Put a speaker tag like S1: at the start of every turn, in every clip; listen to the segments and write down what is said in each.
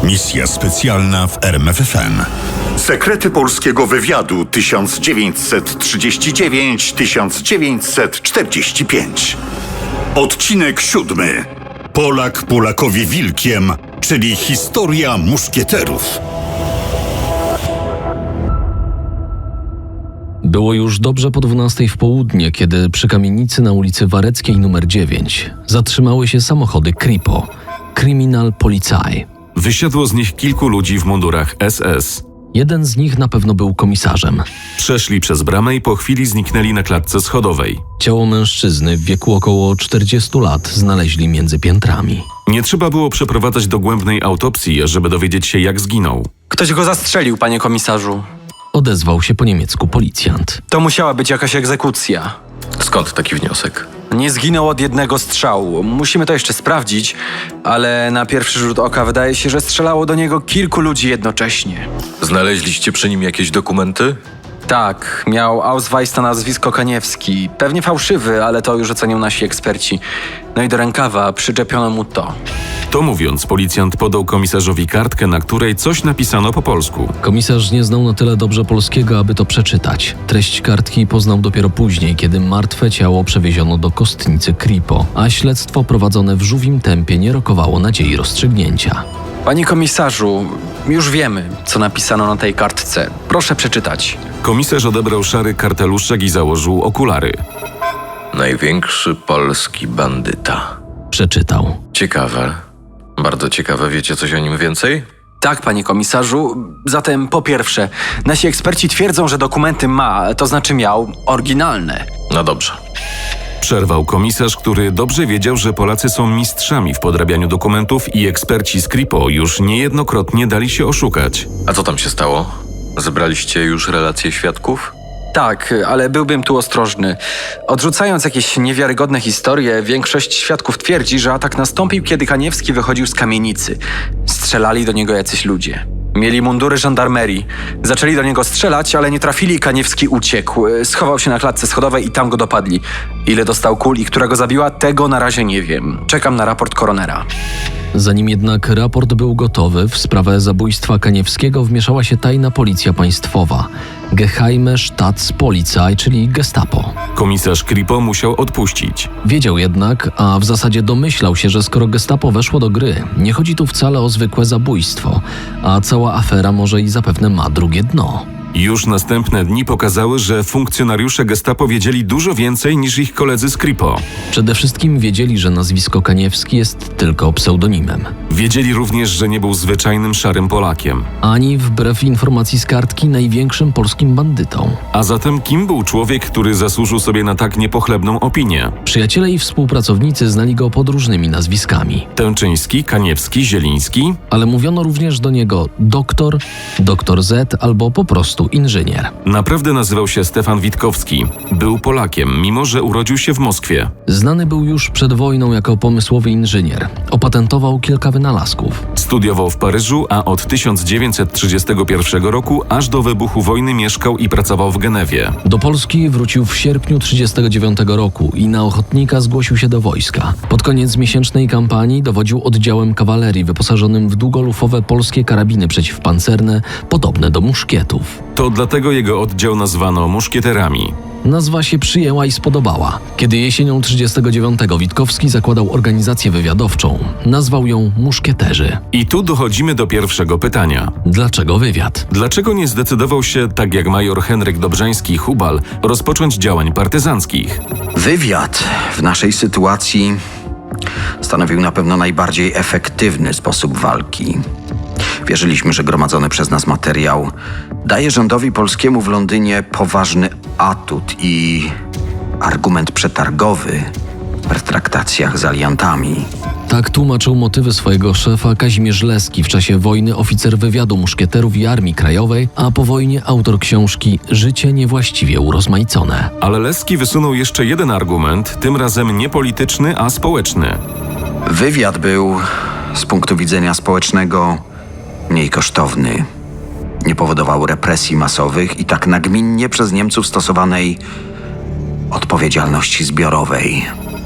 S1: Misja specjalna w RMFFM. Sekrety polskiego wywiadu 1939-1945. Odcinek 7. Polak Polakowi wilkiem, czyli historia muszkieterów.
S2: Było już dobrze po 12 w południe, kiedy przy kamienicy na ulicy Wareckiej nr 9 zatrzymały się samochody Kripo, Criminal Polizei.
S3: Wysiadło z nich kilku ludzi w mundurach SS.
S2: Jeden z nich na pewno był komisarzem.
S3: Przeszli przez bramę i po chwili zniknęli na klatce schodowej.
S2: Ciało mężczyzny w wieku około 40 lat znaleźli między piętrami.
S3: Nie trzeba było przeprowadzać dogłębnej autopsji, żeby dowiedzieć się, jak zginął.
S4: Ktoś go zastrzelił, panie komisarzu.
S2: Odezwał się po niemiecku policjant.
S4: To musiała być jakaś egzekucja.
S5: Skąd taki wniosek?
S4: Nie zginął od jednego strzału. Musimy to jeszcze sprawdzić, ale na pierwszy rzut oka wydaje się, że strzelało do niego kilku ludzi jednocześnie.
S5: Znaleźliście przy nim jakieś dokumenty?
S4: Tak, miał Ausweis na nazwisko Kaniewski. Pewnie fałszywy, ale to już ocenią nasi eksperci. No i do rękawa przyczepiono mu to.
S3: To mówiąc, policjant podał komisarzowi kartkę, na której coś napisano po polsku.
S2: Komisarz nie znał na tyle dobrze polskiego, aby to przeczytać. Treść kartki poznał dopiero później, kiedy martwe ciało przewieziono do kostnicy Kripo, a śledztwo prowadzone w żółwim tempie nie rokowało nadziei rozstrzygnięcia.
S4: Panie komisarzu, już wiemy, co napisano na tej kartce. Proszę przeczytać.
S3: Komisarz odebrał szary karteluszek i założył okulary.
S5: Największy polski bandyta.
S2: Przeczytał.
S5: Ciekawe. Bardzo ciekawe. Wiecie coś o nim więcej?
S4: Tak, panie komisarzu. Zatem po pierwsze, nasi eksperci twierdzą, że dokumenty ma, to znaczy miał, oryginalne.
S5: No dobrze.
S3: Przerwał komisarz, który dobrze wiedział, że Polacy są mistrzami w podrabianiu dokumentów i eksperci z Kripo już niejednokrotnie dali się oszukać.
S5: A co tam się stało? Zebraliście już relacje świadków?
S4: Tak, ale byłbym tu ostrożny. Odrzucając jakieś niewiarygodne historie, większość świadków twierdzi, że atak nastąpił, kiedy Kaniewski wychodził z kamienicy. Strzelali do niego jacyś ludzie. Mieli mundury żandarmerii. Zaczęli do niego strzelać, ale nie trafili i Kaniewski uciekł. Schował się na klatce schodowej i tam go dopadli. Ile dostał kul i która go zabiła, tego na razie nie wiem. Czekam na raport koronera.
S2: Zanim jednak raport był gotowy, w sprawę zabójstwa Kaniewskiego wmieszała się tajna policja państwowa, Geheime Staatspolizei, czyli Gestapo.
S3: Komisarz Kripo musiał odpuścić.
S2: Wiedział jednak, a w zasadzie domyślał się, że skoro Gestapo weszło do gry, nie chodzi tu wcale o zwykłe zabójstwo, a cała afera może i zapewne ma drugie dno.
S3: Już następne dni pokazały, że funkcjonariusze Gestapo wiedzieli dużo więcej niż ich koledzy z Kripo.
S2: Przede wszystkim wiedzieli, że nazwisko Kaniewski jest tylko pseudonimem.
S3: Wiedzieli również, że nie był zwyczajnym szarym Polakiem.
S2: Ani, wbrew informacji z kartki, największym polskim bandytą.
S3: A zatem kim był człowiek, który zasłużył sobie na tak niepochlebną opinię?
S2: Przyjaciele i współpracownicy znali go pod różnymi nazwiskami.
S3: Tęczyński, Kaniewski, Zieliński?
S2: Ale mówiono również do niego doktor, doktor Z albo po prostu inżynier.
S3: Naprawdę nazywał się Stefan Witkowski. Był Polakiem, mimo że urodził się w Moskwie.
S2: Znany był już przed wojną jako pomysłowy inżynier. Opatentował kilka wynalazków.
S3: Studiował w Paryżu, a od 1931 roku aż do wybuchu wojny mieszkał i pracował w Genewie.
S2: Do Polski wrócił w sierpniu 1939 roku i na ochotnika zgłosił się do wojska. Pod koniec miesięcznej kampanii dowodził oddziałem kawalerii wyposażonym w długolufowe polskie karabiny przeciwpancerne, podobne do muszkietów.
S3: To dlatego jego oddział nazwano muszkieterami.
S2: Nazwa się przyjęła i spodobała. Kiedy jesienią 1939 Witkowski zakładał organizację wywiadowczą, nazwał ją Muszkieterzy.
S3: I tu dochodzimy do pierwszego pytania.
S2: Dlaczego wywiad?
S3: Dlaczego nie zdecydował się, tak jak major Henryk Dobrzański-Hubal, rozpocząć działań partyzanckich?
S6: Wywiad w naszej sytuacji stanowił na pewno najbardziej efektywny sposób walki. Wierzyliśmy, że gromadzony przez nas materiał daje rządowi polskiemu w Londynie poważny atut i argument przetargowy w pertraktacjach z aliantami.
S2: Tak tłumaczył motywy swojego szefa Kazimierz Leski, w czasie wojny oficer wywiadu muszkieterów i Armii Krajowej, a po wojnie autor książki Życie niewłaściwie urozmaicone.
S3: Ale Leski wysunął jeszcze jeden argument, tym razem nie polityczny, a społeczny.
S6: Wywiad był z punktu widzenia społecznego mniej kosztowny. Nie powodował represji masowych i tak nagminnie przez Niemców stosowanej odpowiedzialności zbiorowej.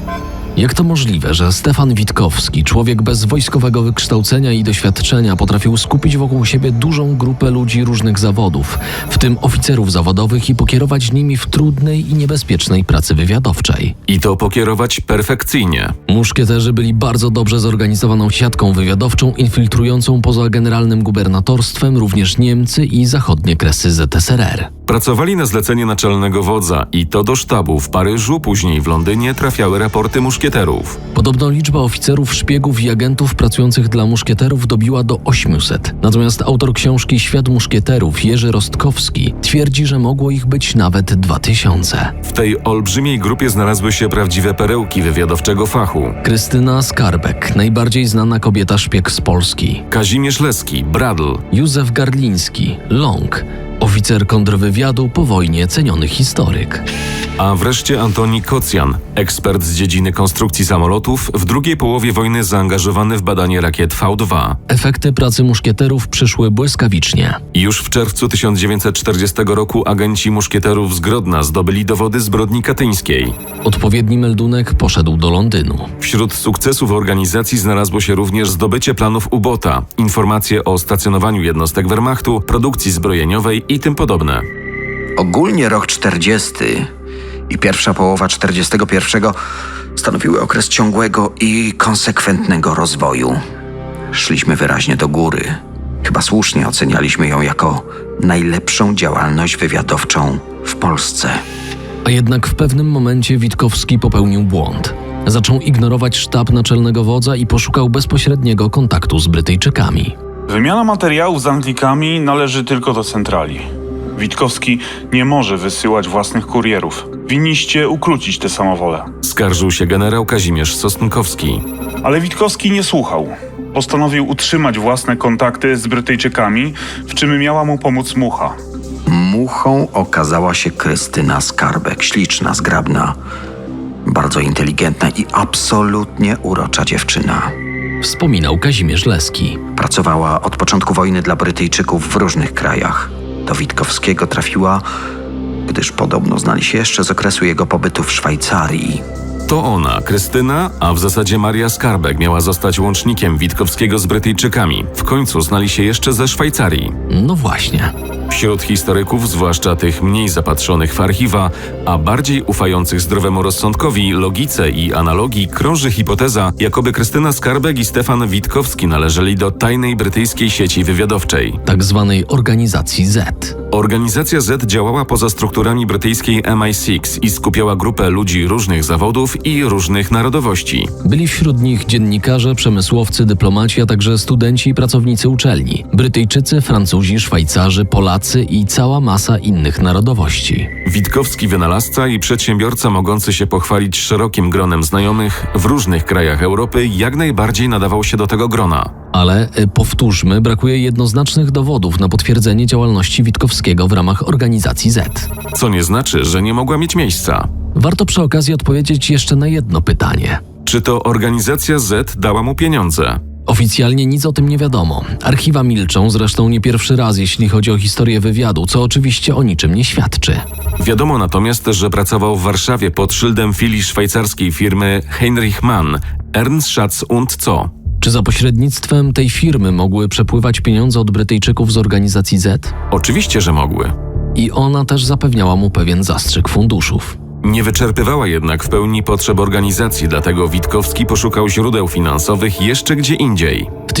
S2: Jak to możliwe, że Stefan Witkowski, człowiek bez wojskowego wykształcenia i doświadczenia, potrafił skupić wokół siebie dużą grupę ludzi różnych zawodów, w tym oficerów zawodowych, i pokierować nimi w trudnej i niebezpiecznej pracy wywiadowczej?
S3: I to pokierować perfekcyjnie.
S2: Muszkieterzy byli bardzo dobrze zorganizowaną siatką wywiadowczą infiltrującą poza generalnym gubernatorstwem również Niemcy i zachodnie kresy ZSRR.
S3: Pracowali na zlecenie naczelnego wodza i to do sztabu w Paryżu, później w Londynie trafiały raporty muszkieterów.
S2: Podobno liczba oficerów, szpiegów i agentów pracujących dla muszkieterów dobiła do 800. Natomiast autor książki Świat muszkieterów, Jerzy Rostkowski, twierdzi, że mogło ich być nawet 2000.
S3: W tej olbrzymiej grupie znalazły się prawdziwe perełki wywiadowczego fachu.
S2: Krystyna Skarbek, najbardziej znana kobieta szpieg z Polski.
S3: Kazimierz Leski, Bradl.
S2: Józef Garliński, Long, oficer kontrwywiadu, po wojnie ceniony historyk.
S3: A wreszcie Antoni Kocjan, ekspert z dziedziny konstrukcji samolotów, w drugiej połowie wojny zaangażowany w badanie rakiet V2.
S2: Efekty pracy muszkieterów przyszły błyskawicznie.
S3: Już w czerwcu 1940 roku agenci muszkieterów z Grodna zdobyli dowody zbrodni katyńskiej.
S2: Odpowiedni meldunek poszedł do Londynu.
S3: Wśród sukcesów organizacji znalazło się również zdobycie planów U-Bota, informacje o stacjonowaniu jednostek Wehrmachtu, produkcji zbrojeniowej i tym podobne.
S6: Ogólnie rok 40 i pierwsza połowa 41 stanowiły okres ciągłego i konsekwentnego rozwoju. Szliśmy wyraźnie do góry. Chyba słusznie ocenialiśmy ją jako najlepszą działalność wywiadowczą w Polsce.
S2: A jednak w pewnym momencie Witkowski popełnił błąd. Zaczął ignorować sztab naczelnego wodza i poszukał bezpośredniego kontaktu z Brytyjczykami.
S7: Wymiana materiałów z Anglikami należy tylko do centrali. Witkowski nie może wysyłać własnych kurierów. Winniście ukrócić tę samowolę.
S3: Skarżył się generał Kazimierz Sosnkowski.
S7: Ale Witkowski nie słuchał. Postanowił utrzymać własne kontakty z Brytyjczykami, w czym miała mu pomóc Mucha.
S6: Muchą okazała się Krystyna Skarbek, śliczna, zgrabna, bardzo inteligentna i absolutnie urocza dziewczyna.
S2: Wspominał Kazimierz Leski.
S6: Pracowała od początku wojny dla Brytyjczyków w różnych krajach. Do Witkowskiego trafiła, gdyż podobno znali się jeszcze z okresu jego pobytu w Szwajcarii.
S3: To ona, Krystyna, a w zasadzie Maria Skarbek miała zostać łącznikiem Witkowskiego z Brytyjczykami. W końcu znali się jeszcze ze Szwajcarii.
S2: No właśnie.
S3: Wśród historyków, zwłaszcza tych mniej zapatrzonych w archiwa, a bardziej ufających zdrowemu rozsądkowi, logice i analogii, krąży hipoteza, jakoby Krystyna Skarbek i Stefan Witkowski należeli do tajnej brytyjskiej sieci wywiadowczej.
S2: Tak zwanej organizacji Z.
S3: Organizacja Z działała poza strukturami brytyjskiej MI6 i skupiała grupę ludzi różnych zawodów i różnych narodowości.
S2: Byli wśród nich dziennikarze, przemysłowcy, dyplomaci, a także studenci i pracownicy uczelni. Brytyjczycy, Francuzi, Szwajcarzy, Polacy i cała masa innych narodowości.
S3: Witkowski wynalazca i przedsiębiorca mogący się pochwalić szerokim gronem znajomych w różnych krajach Europy jak najbardziej nadawał się do tego grona.
S2: Ale, powtórzmy, brakuje jednoznacznych dowodów na potwierdzenie działalności Witkowskiego w ramach organizacji Z.
S3: Co nie znaczy, że nie mogła mieć miejsca.
S2: Warto przy okazji odpowiedzieć jeszcze na jedno pytanie.
S3: Czy to organizacja Z dała mu pieniądze?
S2: Oficjalnie nic o tym nie wiadomo. Archiwa milczą, zresztą nie pierwszy raz, jeśli chodzi o historię wywiadu, co oczywiście o niczym nie świadczy.
S3: Wiadomo natomiast, że pracował w Warszawie pod szyldem filii szwajcarskiej firmy Heinrich Mann, Ernst Schatz und Co.
S2: Czy za pośrednictwem tej firmy mogły przepływać pieniądze od Brytyjczyków z organizacji Z?
S3: Oczywiście, że mogły.
S2: I ona też zapewniała mu pewien zastrzyk funduszów.
S3: Nie wyczerpywała jednak w pełni potrzeb organizacji, dlatego Witkowski poszukał źródeł finansowych jeszcze gdzie indziej.
S2: W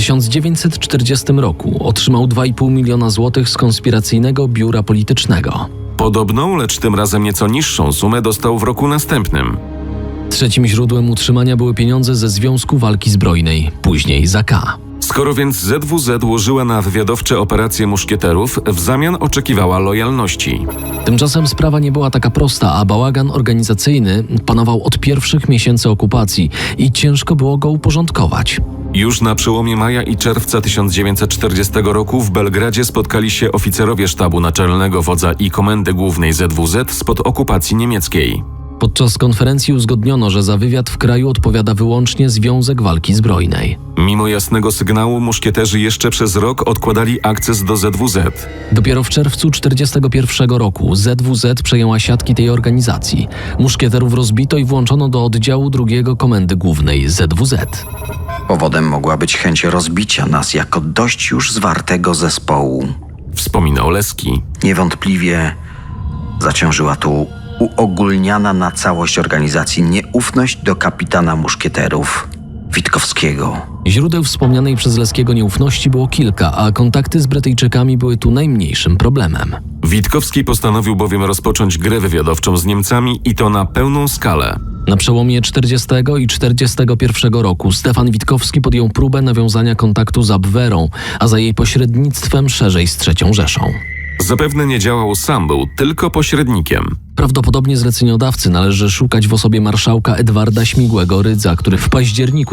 S2: 1940 roku otrzymał 2,5 miliona złotych z konspiracyjnego biura politycznego.
S3: Podobną, lecz tym razem nieco niższą sumę dostał w roku następnym.
S2: Trzecim źródłem utrzymania były pieniądze ze Związku Walki Zbrojnej, później ZK.
S3: Skoro więc ZWZ łożyła na wywiadowcze operacje muszkieterów, w zamian oczekiwała lojalności.
S2: Tymczasem sprawa nie była taka prosta, a bałagan organizacyjny panował od pierwszych miesięcy okupacji i ciężko było go uporządkować.
S3: Już na przełomie maja i czerwca 1940 roku w Belgradzie spotkali się oficerowie sztabu naczelnego wodza i komendy głównej ZWZ spod okupacji niemieckiej.
S2: Podczas konferencji uzgodniono, że za wywiad w kraju odpowiada wyłącznie Związek Walki Zbrojnej.
S3: Mimo jasnego sygnału muszkieterzy jeszcze przez rok odkładali akces do ZWZ.
S2: Dopiero w czerwcu 1941 roku ZWZ przejęła siatki tej organizacji. Muszkieterów rozbito i włączono do oddziału 2 Komendy Głównej ZWZ.
S6: Powodem mogła być chęć rozbicia nas jako dość już zwartego zespołu.
S3: Wspomina Oleski.
S6: Niewątpliwie zaciążyła tu uogólniana na całość organizacji nieufność do kapitana muszkieterów Witkowskiego.
S2: Źródeł wspomnianej przez Leskiego nieufności było kilka, a kontakty z Brytyjczykami były tu najmniejszym problemem.
S3: Witkowski postanowił bowiem rozpocząć grę wywiadowczą z Niemcami i to na pełną skalę.
S2: Na przełomie 40 i 41 roku Stefan Witkowski podjął próbę nawiązania kontaktu z Abwehrą, a za jej pośrednictwem szerzej z III Rzeszą.
S3: Zapewne nie działał sam, był tylko pośrednikiem.
S2: Prawdopodobnie zleceniodawcy należy szukać w osobie marszałka Edwarda Śmigłego-Rydza, który w październiku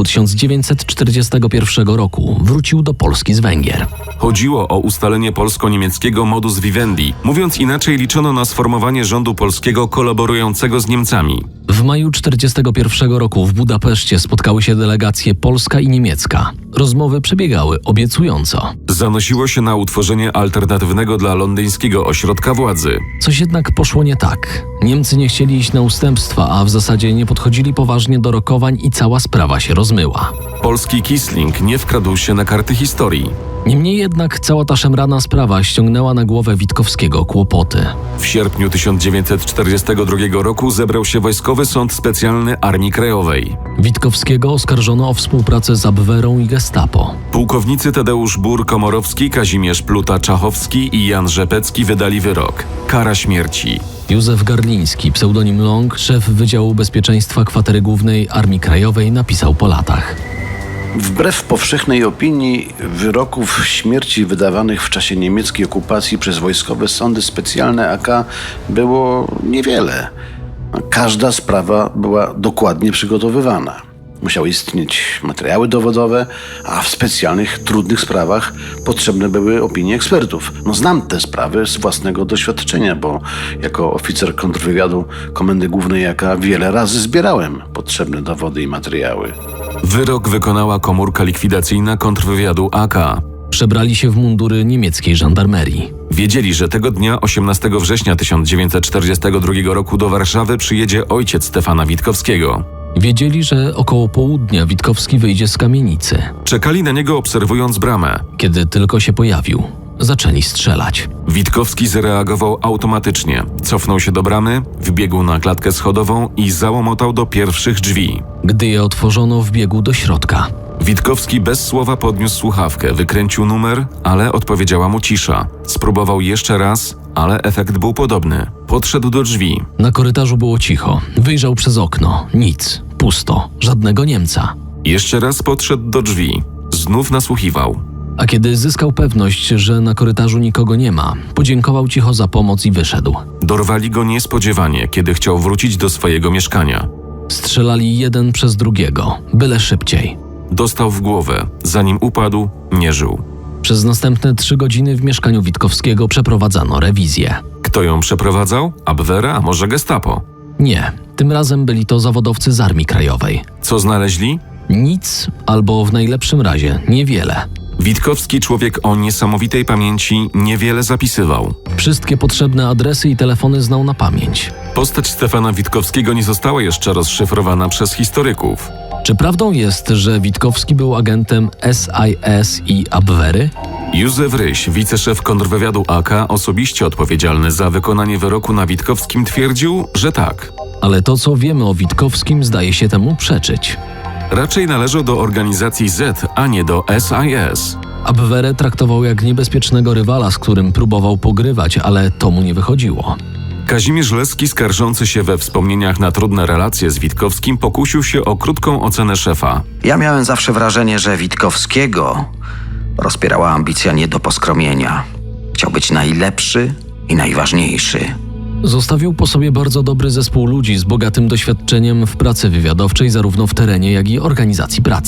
S2: 1941 roku wrócił do Polski z Węgier.
S3: Chodziło o ustalenie polsko-niemieckiego modus vivendi. Mówiąc inaczej, liczono na sformowanie rządu polskiego kolaborującego z Niemcami.
S2: W maju 1941 roku w Budapeszcie spotkały się delegacje polska i niemiecka. Rozmowy przebiegały obiecująco.
S3: Zanosiło się na utworzenie alternatywnego dla londyńskiego ośrodka władzy.
S2: Coś jednak poszło nie tak. Niemcy nie chcieli iść na ustępstwa, a w zasadzie nie podchodzili poważnie do rokowań i cała sprawa się rozmyła.
S3: Polski Kisling nie wkradł się na karty historii.
S2: Niemniej jednak cała ta szemrana sprawa ściągnęła na głowę Witkowskiego kłopoty.
S3: W sierpniu 1942 roku zebrał się Wojskowy Sąd Specjalny Armii Krajowej.
S2: Witkowskiego oskarżono o współpracę z Abwehrą i Gestapo.
S3: Pułkownicy Tadeusz Bur-Komorowski, Kazimierz Pluta-Czachowski i Jan Rzepecki wydali wyrok. Kara śmierci.
S2: Józef Garliński, pseudonim Long, szef Wydziału Bezpieczeństwa Kwatery Głównej Armii Krajowej, napisał po latach.
S8: Wbrew powszechnej opinii, wyroków śmierci wydawanych w czasie niemieckiej okupacji przez wojskowe sądy specjalne AK było niewiele. Każda sprawa była dokładnie przygotowywana. Musiały istnieć materiały dowodowe, a w specjalnych, trudnych sprawach potrzebne były opinie ekspertów. Znam te sprawy z własnego doświadczenia, bo jako oficer kontrwywiadu Komendy Głównej AK wiele razy zbierałem potrzebne dowody i materiały.
S3: Wyrok wykonała komórka likwidacyjna kontrwywiadu AK.
S2: Przebrali się w mundury niemieckiej żandarmerii.
S3: Wiedzieli, że tego dnia, 18 września 1942 roku do Warszawy przyjedzie ojciec Stefana Witkowskiego.
S2: Wiedzieli, że około południa Witkowski wyjdzie z kamienicy.
S3: Czekali na niego obserwując bramę.
S2: Kiedy tylko się pojawił, zaczęli strzelać.
S3: Witkowski zareagował automatycznie. Cofnął się do bramy, wbiegł na klatkę schodową i załomotał do pierwszych drzwi.
S2: Gdy je otworzono, wbiegł do środka.
S3: Witkowski bez słowa podniósł słuchawkę, wykręcił numer, ale odpowiedziała mu cisza. Spróbował jeszcze raz, ale efekt był podobny. Podszedł do drzwi.
S2: Na korytarzu było cicho. Wyjrzał przez okno. Nic. Pusto. Żadnego Niemca.
S3: Jeszcze raz podszedł do drzwi. Znów nasłuchiwał.
S2: A kiedy zyskał pewność, że na korytarzu nikogo nie ma, podziękował cicho za pomoc i wyszedł.
S3: Dorwali go niespodziewanie, kiedy chciał wrócić do swojego mieszkania.
S2: Strzelali jeden przez drugiego, byle szybciej.
S3: Dostał w głowę. Zanim upadł, nie żył.
S2: Przez następne 3 godziny w mieszkaniu Witkowskiego przeprowadzano rewizję.
S3: Kto ją przeprowadzał? Abwehra, a może Gestapo?
S2: Nie, tym razem byli to zawodowcy z Armii Krajowej.
S3: Co znaleźli?
S2: Nic, albo w najlepszym razie niewiele.
S3: Witkowski, człowiek o niesamowitej pamięci, niewiele zapisywał.
S2: Wszystkie potrzebne adresy i telefony znał na pamięć.
S3: Postać Stefana Witkowskiego nie została jeszcze rozszyfrowana przez historyków.
S2: Czy prawdą jest, że Witkowski był agentem SIS i Abwehry?
S3: Józef Ryś, wiceszef kontrwywiadu AK, osobiście odpowiedzialny za wykonanie wyroku na Witkowskim, twierdził, że tak.
S2: Ale to, co wiemy o Witkowskim, zdaje się temu przeczyć.
S3: Raczej należał do organizacji Z, a nie do SIS.
S2: Abwehrę traktował jak niebezpiecznego rywala, z którym próbował pogrywać, ale to mu nie wychodziło.
S3: Kazimierz Leski, skarżący się we wspomnieniach na trudne relacje z Witkowskim, pokusił się o krótką ocenę szefa.
S6: Ja miałem zawsze wrażenie, że Witkowskiego rozpierała ambicja nie do poskromienia. Chciał być najlepszy i najważniejszy.
S2: Zostawił po sobie bardzo dobry zespół ludzi z bogatym doświadczeniem w pracy wywiadowczej zarówno w terenie, jak i organizacji pracy.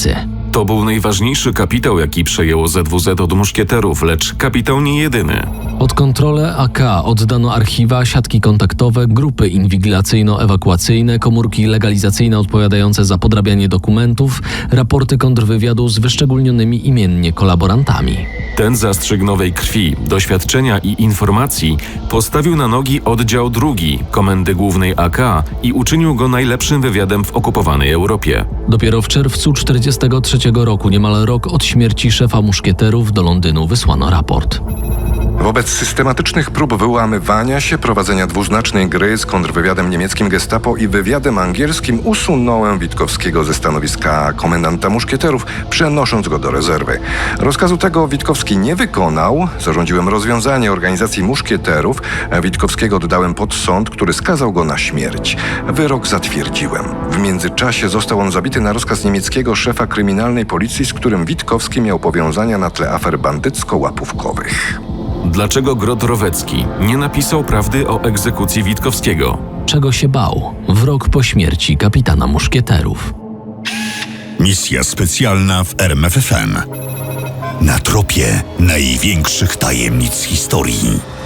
S3: To był najważniejszy kapitał, jaki przejęło ZWZ od muszkieterów, lecz kapitał nie jedyny.
S2: Pod kontrolę AK oddano archiwa, siatki kontaktowe, grupy inwigilacyjno-ewakuacyjne, komórki legalizacyjne odpowiadające za podrabianie dokumentów, raporty kontrwywiadu z wyszczególnionymi imiennie kolaborantami.
S3: Ten zastrzyk nowej krwi, doświadczenia i informacji postawił na nogi oddział drugi Komendy Głównej AK i uczynił go najlepszym wywiadem w okupowanej Europie.
S2: Dopiero w czerwcu 1943 roku, niemal rok od śmierci szefa muszkieterów, do Londynu wysłano raport.
S9: Wobec systematycznych prób wyłamywania się, prowadzenia dwuznacznej gry z kontrwywiadem niemieckim Gestapo i wywiadem angielskim usunąłem Witkowskiego ze stanowiska komendanta muszkieterów, przenosząc go do rezerwy. Rozkazu tego Witkowski nie wykonał. Zarządziłem rozwiązanie organizacji muszkieterów. Witkowskiego oddałem pod sąd, który skazał go na śmierć. Wyrok zatwierdziłem. W międzyczasie został on zabity na rozkaz niemieckiego szefa kryminalnej policji, z którym Witkowski miał powiązania na tle afer bandycko-łapówkowych.
S3: Dlaczego Grot-Rowecki nie napisał prawdy o egzekucji Witkowskiego?
S2: Czego się bał w rok po śmierci kapitana muszkieterów?
S1: Misja specjalna w RMFFM. Na tropie największych tajemnic historii.